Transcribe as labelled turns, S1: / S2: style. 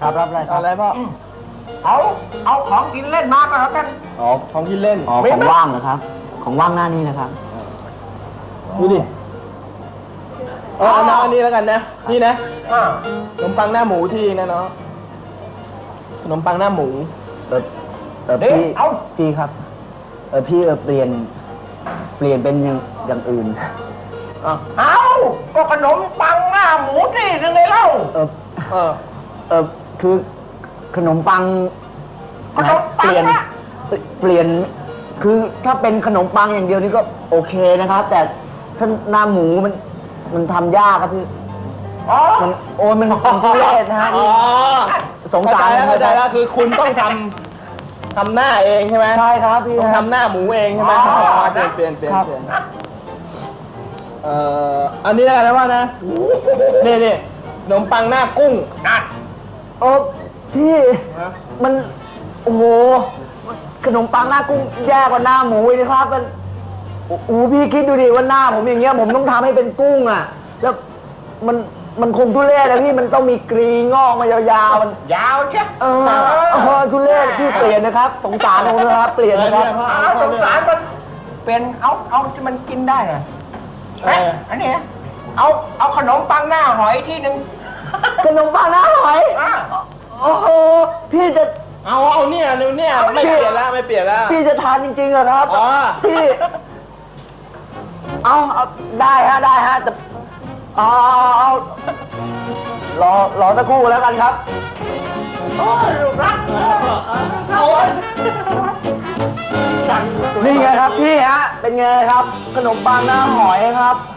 S1: ครับรับอะไรครับ
S2: อะไรพ่อ
S3: เอาของกินเล่นมาก็แล้วกัน
S2: อ๋อของกินเล่น
S1: อ๋อของว่างเหรอครับ ของว่างหน้านี้นะครับ
S2: ดูดิเอาน้องอันนี้แล้วกันนะนี่นะขนมปังหน้าหมูที่นะเนาะขนมปังหน้าหมู
S1: พี่พี่ครับพี่เปลี่ยนเป็นอย่างอื่น
S3: เอาก็ขนมปังหน้าหมูนี่นึงเลยเล่า
S1: คือขนมปัง
S3: ขนมปั
S1: เป
S3: ง
S1: ลี่ยน
S3: นะ
S1: เปลี่ยนคือถ้าเป็นขนมปังอย่างเดียวนี่ก็โอเคนะครับ แต่ถ้าหน้าหมูมันทำยากครับพี่
S3: อ๋อ
S1: มันทุเรศนะฮะ
S2: อ๋อ
S1: สงสาร
S2: เข้าใจแล้วคือคุณต้องทำหน้าเองใช่ไหม
S1: ใช่ครับพี่
S2: ต้องทำหน้าหมูเองใช่ไหม
S3: อ๋อ
S2: เปลี่ยนอันนี้อะไรนะว่านะนี่ขนมปังหน้ากุ้ง
S3: นั่น
S1: พี่มันโอ้โหขนมปังหน้ากุ้งแย่กว่าหน้าหมูอีกนะครับมันโอ้โหพี่คิดดูดิว่าหน้าผมอย่างเงี้ยผมต้องทำให้เป็นกุ้งอ่ะแล้วมันคงทุเรศนะพี่มันต้องมีกรีงอกมายาวๆมัน
S3: ยาวใช่
S1: ทุเรศพี่เปลี่ยนนะครับ สงสารผมนะครับเปลี่ยนนะครับ
S3: สงสารมันเป็นเอาที่มันกินได้อะอันนี้เอาขนมปังหน้าหอยที่หนึ่ง
S1: ขนมปังหน้าหอยโอ้โหพี่จะ
S2: เอาเนี่ยไม่เปลี่ยนแล้ว
S1: พี่จะทานจริงๆเหรอครับ
S2: อ๋อ
S1: พี่เอาได้ฮะแต่เอารอสักครู่แล้วกันครับ
S3: โอ้ยลูกรักเอา
S1: นี่ไงครับพี่ฮะเป็นไงครับ ขนมปังหน้าหอยครับ